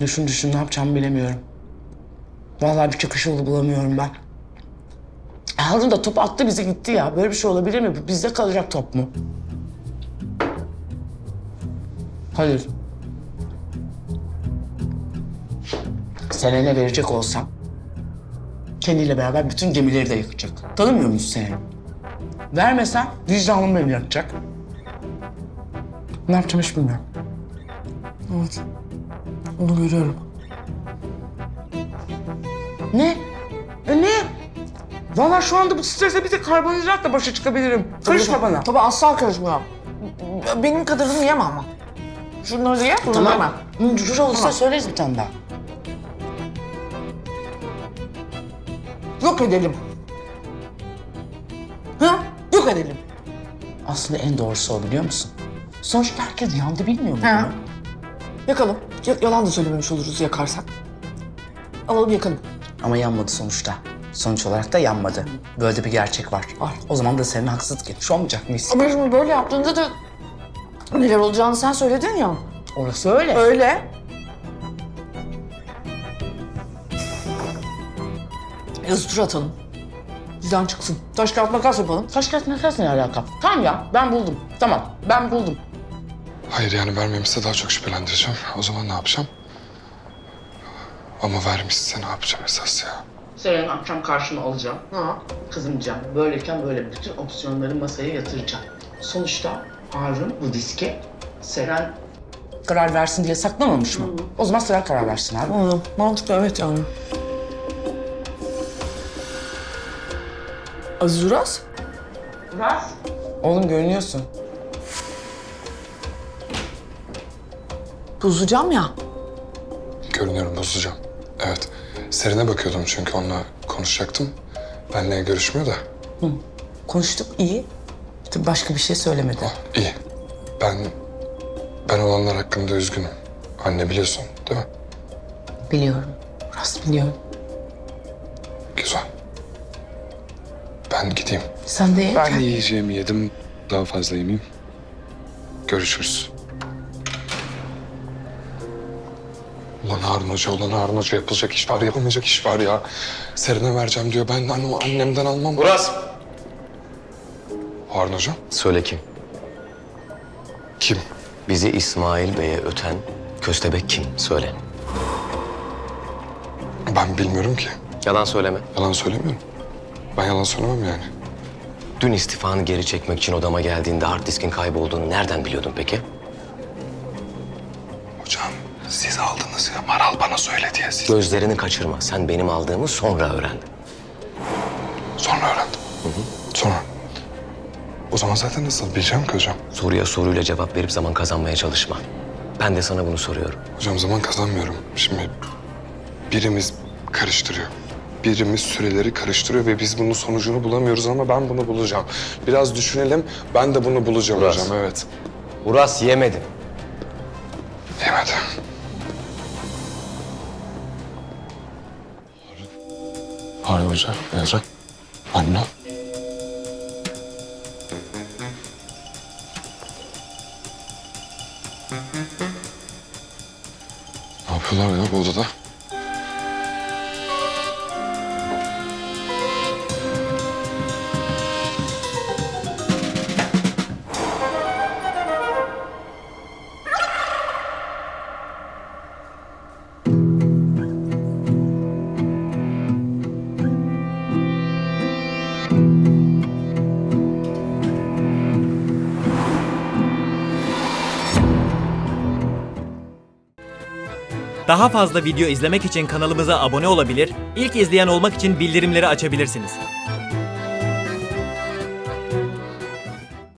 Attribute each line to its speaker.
Speaker 1: Düşün düşün ne yapacağımı bilemiyorum. Vallahi bir çıkış yolu bulamıyorum ben. Harun da top attı bizi gitti ya. Böyle bir şey olabilir mi? Bu bizde kalacak top mu? Hayır. Selen'e verecek olsam kendiyle beraber bütün gemileri de yakacak. Tanımıyor muyuz Selen'i? Vermesem vicdanım beni yakacak. Ne yapacağım hiç bilmiyorum. Evet. Onu görüyorum. Ne? Ne? Vallahi şu anda bu strese bir tek karbonhidratla başa çıkabilirim. Karışma bana.
Speaker 2: Tabii asla karışmıyor. Benim kadarını yeme ama. Şunları ye, bunu yeme.
Speaker 1: Cücür olursa söyleriz bir tane daha.
Speaker 2: Yok edelim. Ha? Yok edelim.
Speaker 1: Aslında en doğrusu o biliyor musun? Sonuçta herkes yandı bilmiyor mu?
Speaker 2: Ha. Yakalım. Yalan da söylememiş oluruz yakarsak. Alalım yakalım.
Speaker 1: Ama yanmadı sonuçta. Sonuç olarak da yanmadı. Böyle de bir gerçek var. O zaman da senin haksızlık etmiş olmayacak mıyız?
Speaker 2: Ama şimdi böyle yaptığında da neler olacağını sen söyledin ya.
Speaker 1: Orası öyle.
Speaker 2: Öyle. Yazı tur atalım. Bizden çıksın. Taş kağıt makas yapalım.
Speaker 1: Taş kağıt makas ne alaka? Tamam ya ben buldum. Tamam ben buldum.
Speaker 3: Hayır yani vermemişse daha çok şüphelendireceğim. O zaman ne yapacağım? Ama vermişse ne yapacağım esas ya?
Speaker 1: Selen'i akşam karşıma alacağım.
Speaker 2: Ha.
Speaker 1: Kızımcağım. Böyleyken böyle bütün opsiyonları masaya yatıracağım. Sonuçta Harun bu diske Selen karar versin diye saklamamış mı? O zaman Selen karar versin abi.
Speaker 2: Anladım. Mantıklı evet yani. Aziz Uras.
Speaker 1: Uras. Oğlum görünüyorsun.
Speaker 2: Bozacağım ya.
Speaker 3: Görünüyorum bozacağım. Evet. Seren'e bakıyordum çünkü onunla konuşacaktım. Benle görüşmüyor da.
Speaker 1: Konuştuk iyi. Tabii başka bir şey söylemedi.
Speaker 3: İyi. Ben olanlar hakkında üzgünüm. Anne biliyorsun değil mi?
Speaker 1: Biliyorum. Uras biliyorum.
Speaker 3: Güzel. Ben gideyim.
Speaker 1: Sen de ye.
Speaker 3: Ben yiyeceğimi yedim. Daha fazla yemeyeyim. Görüşürüz. Ulan Harun Hoca yapılacak iş var, yapılmayacak iş var ya. Seren'e vereceğim diyor. Ben annemden almam.
Speaker 4: Uras!
Speaker 3: Harun Hoca?
Speaker 4: Söyle kim?
Speaker 3: Kim?
Speaker 4: Bizi İsmail Bey'e öten köstebek kim? Söyle.
Speaker 3: Ben bilmiyorum ki.
Speaker 4: Yalan söyleme.
Speaker 3: Yalan söylemiyorum. Ben yalan söylemem yani.
Speaker 4: Dün istifanı geri çekmek için odama geldiğinde hard diskin kaybolduğunu nereden biliyordun peki?
Speaker 3: Hocam siz aldınız ya. Maral bana söyledi ya siz.
Speaker 4: Gözlerini kaçırma. Sen benim aldığımı sonra öğrendin.
Speaker 3: Sonra öğrendim. Sonra. O zaman zaten nasıl bileceğim ki hocam?
Speaker 4: Soruya soruyla cevap verip zaman kazanmaya çalışma. Ben de sana bunu soruyorum.
Speaker 3: Hocam zaman kazanmıyorum. Şimdi birimiz karıştırıyor. Birimiz süreleri karıştırıyor ve biz bunun sonucunu bulamıyoruz ama ben bunu bulacağım. Biraz düşünelim. Ben de bunu bulacağım
Speaker 4: Uras.
Speaker 3: hocam. Evet.
Speaker 4: Uras yemedi.
Speaker 3: Yemedi. Harun Hoca, Ezra, anne. Ne yapıyorlar ya bu odada?
Speaker 5: Daha fazla video izlemek için kanalımıza abone olabilir, ilk izleyen olmak için bildirimleri açabilirsiniz.